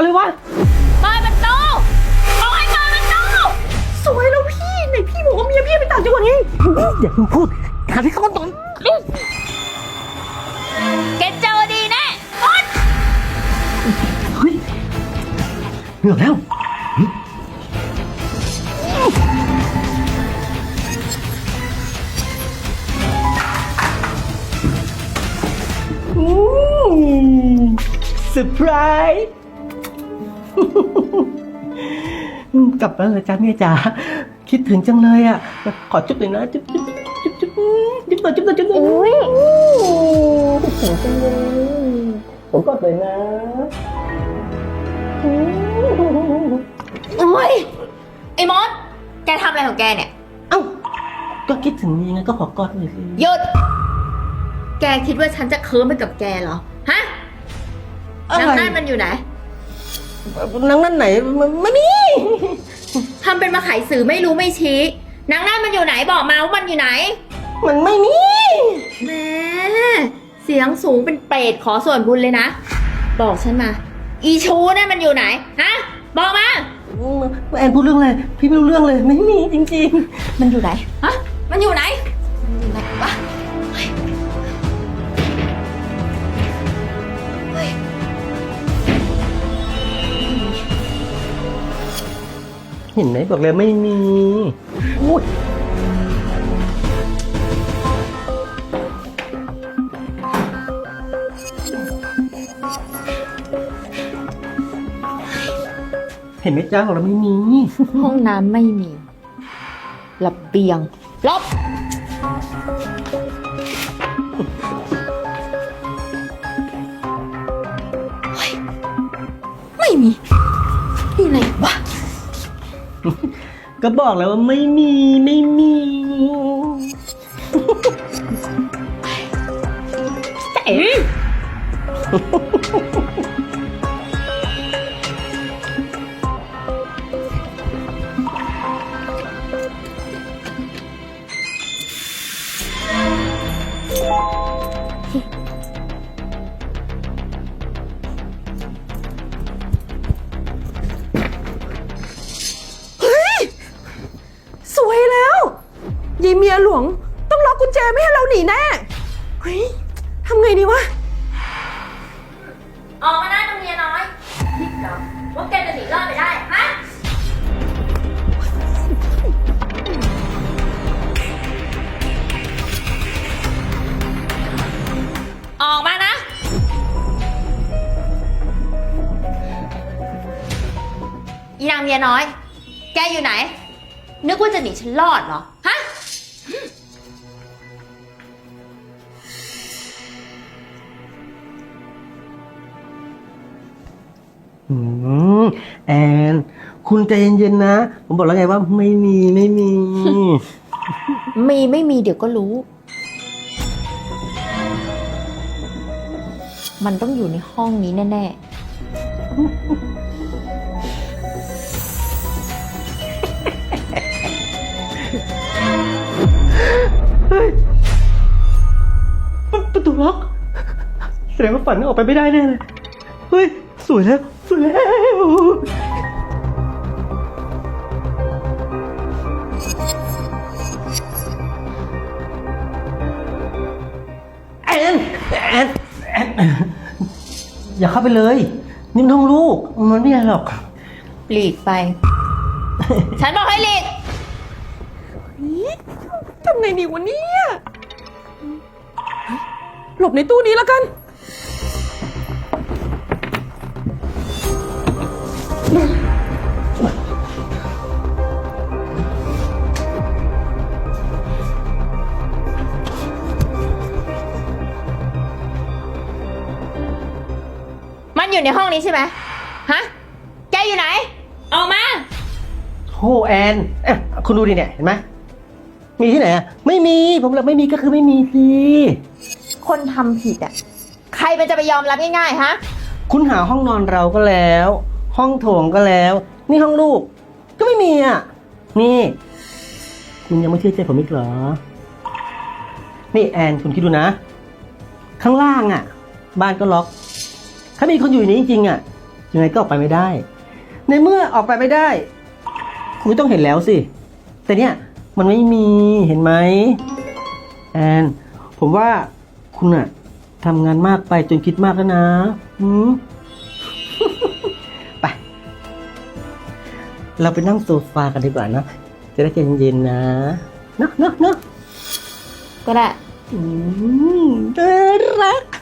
วะเปิดประตูบอกให้เปิดประตูสวยแล้วพี่ไหนพี่บอกว่าเมียพี่ไปต่างจังหวัดไงอย่าเพิ่งพูดหาที่เขาตอนแกเจอดีแน่มดเฮ้ยเหนื่อยแล้วเซอร์ไพรส์กลับมาเลยจ้าเมียจ๋าคิดถึงจังเลยอ่ะขอจุ๊บหน่อยนะจุ๊บจุ๊บจุ๊บจุ๊บจุ๊บหน่อยจุ๊บหน่อยจุ๊บหน่อยอุ้ยคิดถึงจังเลยผมกอดเลยนะโอ้ยไอ้มดแกทำอะไรของแกเนี่ยเอ้าก็คิดถึงนี่ไงก็ขอกอดหน่อยสิหยุดแกคิดว่าฉันจะเคิร์มไปกับแกเหรอฮะนางนั่นมันอยู่ไหนนางนั่นไหนไม่มีทำเป็นมาไขสื่อไม่รู้ไม่ชี้นางนั่นมันอยู่ไหนบอกมาว่ามันอยู่ไหนมันไม่มีแม่เสียงสูงเป็นเปรตขอส่วนบุญเลยนะบอกฉันมาอีชูนั่นมันอยู่ไหนฮะบอกมาแอนพูดเรื่องอะไรพี่ไม่รู้เรื่องเลยไม่มีจริงๆมันอยู่ไหนฮะมันอยู่ไหนมันอยู่ไหนวะเห็นไหมบอกเลยไม่มีอุ๊ยเห็นไหมจ้าของเราไม่มีห้องน้ำไม่มีระเบียงลบไม่มีที่ไหนวะก็บอกแล้วว่าไม่มีไม่มีเอ๋สวยแล้วยายเมียหลวงต้องล็อกกุญแจไม่ให้เราหนีแน่เฮ้ยทำไงดีวะออกมาหน้าตรงเมียน้อยคิดเหรอว่าแกจะหนีรอดไปได้ฮะออกมานะอีนางเมียน้อยแกอยู่ไหนนึกว่าจะหนีฉันรอดเหรอฮะแอนคุณใจเย็นๆนะผมบอกแล้วไงว่าไม่มีไม่มีไม่มีเดี๋ยวก็รู้ มันต้องอยู่ในห้องนี้แน่ประตูล็อกแสดงว่าฝันออกไปไม่ได้แน่เลยเฮ้ยสวยแล้วสวยแล้วแอนอย่าเข้าไปเลยนี่มันห้องลูกมันไม่ใช่หรอกหลีกไป ฉันบอกให้หลีกทำไงดีวะเนี่ยหลบในตู้นี้แล้วกันมันอยู่ในห้องนี้ใช่ไหมฮะแกอยู่ไหนออกมาโธ่แอนคุณดูดิเนี่ยเห็นไหมมีที่ไหนอ่ะไม่มีผมบอกไม่มีก็คือไม่มีสิคนทำผิดอ่ะใครมันจะไปยอมรับง่ายๆฮะคุณหาห้องนอนเราก็แล้วห้องโถงก็แล้วนี่ห้องลูกก็ไม่มีอ่ะนี่คุณยังไม่เชื่อใจผมอีกเหรอนี่แอนคุณคิดดูนะข้างล่างอ่ะบ้านก็ล็อกถ้ามีคนอยู่ในนี้จริงๆอ่ะยังไงก็ออกไปไม่ได้ ในเมื่อออกไปไม่ได้ คุณก็ต้องเห็นแล้วสิ แต่เนี่ยมันไม่มีเห็นไหมแอนผมว่าคุณอะทำงานมากไปจนคิดมากแล้วนะไป เราไปนั่งโซฟากันดีกว่านะ จะได้ใจเย็นๆนะเนอะก็ได้น่ารัก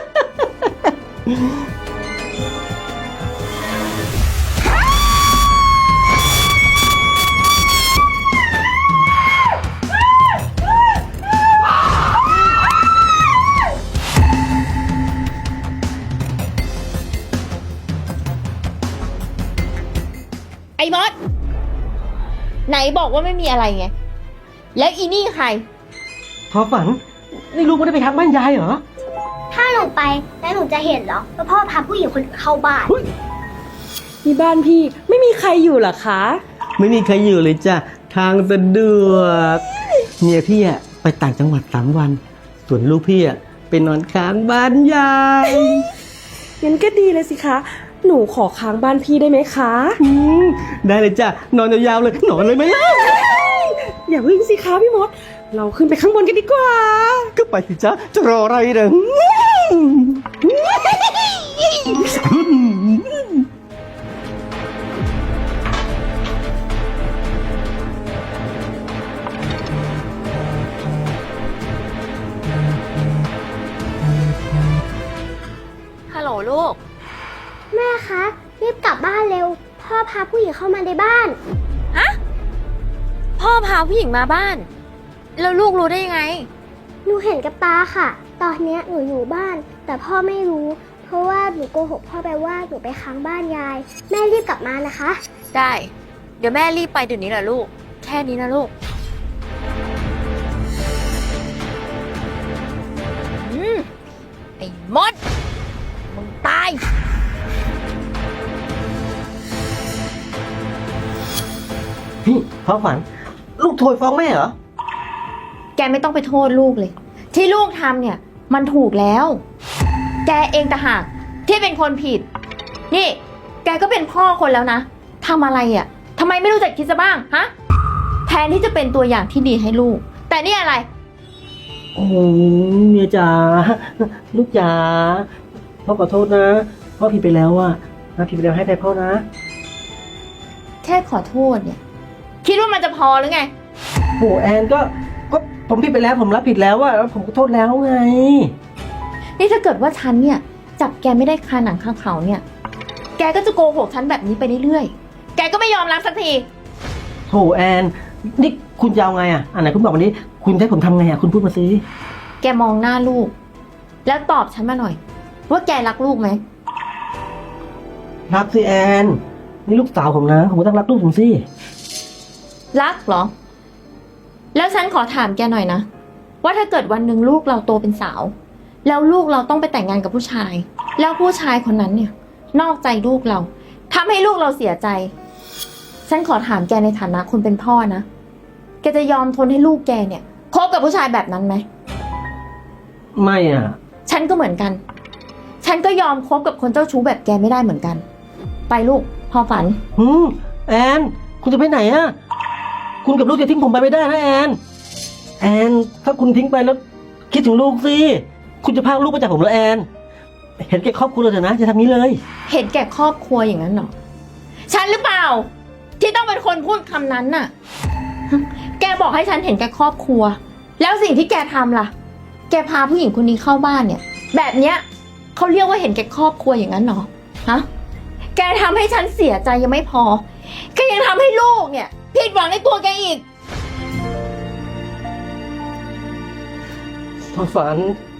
ไอ้มด ไหนบอกว่าไม่มีอะไรไง แล้วอีนี่ใครพอฝัน นี่ลูกไม่ได้ไปทักบ้านยายเหรอถ้าหนูไปแล้วหนูจะเห็นเหรอว่าพ่อพาผู้หญิงคนอื่นเข้าบ้านที่บ้านพี่ไม่มีใครอยู่เหรอคะไม่มีใครอยู่เลยจ้ะ ทางสะดวกเมียพี่อะไปต่างจังหวัด3 วัน ส่วนลูกพี่อะไปนอนค้างบ้านยายงั้นก็ดีเลยสิคะ หนูขอค้างบ้านพี่ได้ไหมคะได้เลยจ้ะ นอนยาวๆเลย นอนเลยไหมล่ะอย่าพึ่งสิคะพี่มด เราขึ้นไปข้างบนกันดีกว่าก็ไปสิจ้ะ จะรออะไรเด้อฮัลโหลลูกแม่คะรีบกลับบ้านเร็ว พ่อพาผู้หญิงเข้ามาในบ้านพ่อพาผู้หญิงมาบ้าน แล้วลูกรู้ได้ยังไงหนูเห็นกับตาค่ะ ตอนเนี้ยหนูอยู่บ้าน แต่พ่อไม่รู้ เพราะว่าหนูโกหกพ่อไปว่าหนูไปค้างบ้านยาย แม่รีบกลับมานะคะได้ เดี๋ยวแม่รีบไปเดี๋ยวนี้แหละลูก แค่นี้นะลูก ไอ้มด มึงตายพี่พอฝัน ลูกโทรฟ้องแม่เหรอแกไม่ต้องไปโทษลูกเลย ที่ลูกทำเนี่ย มันถูกแล้ว แกเองต่างหากที่เป็นคนผิด นี่ แกก็เป็นพ่อคนแล้วนะทำอะไรอ่ะทำไมไม่รู้จักคิดซะบ้างฮะแทนที่จะเป็นตัวอย่างที่ดีให้ลูก แต่นี่อะไรโอ้เมียจ๋า ลูกจ๋า พ่อขอโทษนะ พ่อผิดไปแล้วอะนะผิดไปแล้วให้ไปพ่อนะแค่ขอโทษเนี่ย คิดว่ามันจะพอหรือไงโหแอนก็ผมผิดไปแล้วผมรับผิดแล้วอะแล้วผมขอโทษแล้วไงนี่ถ้าเกิดว่าฉันเนี่ย จับแกไม่ได้คาหนังคาเขาเนี่ย แกก็จะโกหกฉันแบบนี้ไปเรื่อยๆ แกก็ไม่ยอมรับสักทีโหแอนนี่คุณจะเอาไงอะอันไหนคุณบอกวันนี้ คุณจะให้ผมทำไงอะคุณพูดมาสิแกมองหน้าลูก แล้วตอบฉันมาหน่อย ว่าแกรักลูกไหมรักสิแอน นี่ลูกสาวผมนะ ผมก็ต้องรักลูกผมสิรักเหรอ แล้วฉันขอถามแกหน่อยนะ ว่าถ้าเกิดวันหนึ่งลูกเราโตเป็นสาว แล้วลูกเราต้องไปแต่งงานกับผู้ชาย แล้วผู้ชายคนนั้นเนี่ย นอกใจลูกเราทำให้ลูกเราเสียใจ ฉันขอถามแกในฐานะคนเป็นพ่อนะ แกจะยอมทนให้ลูกแกเนี่ยคบกับผู้ชายแบบนั้นไหมไม่อะฉันก็เหมือนกัน ฉันก็ยอมคบกับคนเจ้าชู้แบบแกไม่ได้เหมือนกัน ไปลูกพอฝันแอน คุณจะไปไหนอะคุณกับลูกจะทิ้งผมไปไม่ได้นะแอน แอน ถ้าคุณทิ้งไปแล้ว คิดถึงลูกสิ คุณจะพากลูกไปจากผมแล้วแอน เห็นแก่ครอบครัวเลยเถอะนะจะทำนี้เลยเห็นแก่ครอบครัวอย่างนั้นเหรอ ฉันหรือเปล่า ที่ต้องเป็นคนพูดคำนั้นน่ะ แกบอกให้ฉันเห็นแก่ครอบครัว แล้วสิ่งที่แกทำล่ะ แกพาผู้หญิงคนนี้เข้าบ้านเนี่ย แบบเนี้ยเขาเรียกว่าเห็นแก่ครอบครัวอย่างนั้นเหรอ ฮะ แกทำให้ฉันเสียใจยังไม่พอ แกยังทำให้ลูกเนี่ยผิดหวังในตัวแกอีกพ่อฝัน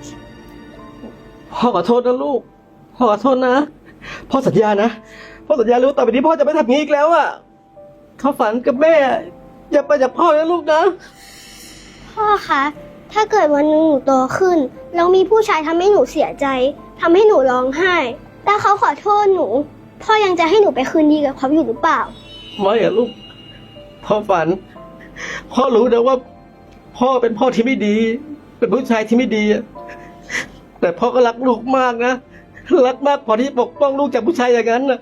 พ่อขอโทษนะลูก พ่อขอโทษนะ พ่อสัญญานะ พ่อสัญญาเลยว่าต่อไปนี้พ่อจะไม่ทำอย่างนี้อีกแล้วอะพ่อฝันกับแม่อย่าไปจากพ่อนะลูกนะพ่อคะ ถ้าเกิดวันหนึงหนูโตขึ้น แล้วมีผู้ชายทำให้หนูเสียใจทำให้หนูร้องไห้แล้วเขาขอโทษหนู พ่อยังจะให้หนูไปคืนดีกับเขาอยู่หรือเปล่าไม่อะลูก พ่อฝัน พ่อรู้นะว่า พ่อเป็นพ่อที่ไม่ดี เป็นผู้ชายที่ไม่ดีอะแต่พ่อก็รักลูกมากนะรักมากพอที่จะปกป้องลูกจากผู้ชายอย่างนั้นน่ะ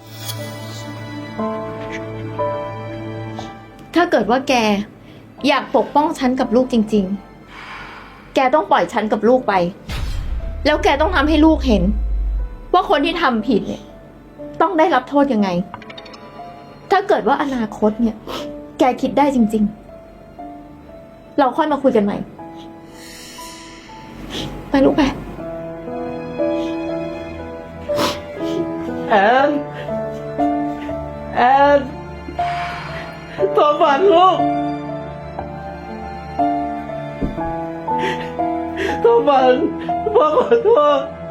ถ้าเกิดว่าแกอยากปกป้องฉันกับลูกจริงๆ แกต้องปล่อยฉันกับลูกไป แล้วแกต้องทำให้ลูกเห็น ว่าคนที่ทำผิดเนี่ย ต้องได้รับโทษยังไง ถ้าเกิดว่าอนาคตเนี่ย แกคิดได้จริงๆ เราค่อยมาคุยกันใหม่ ไปลูกไปแอนโทรฝันลูกโทรฝันพ่อขอโทษ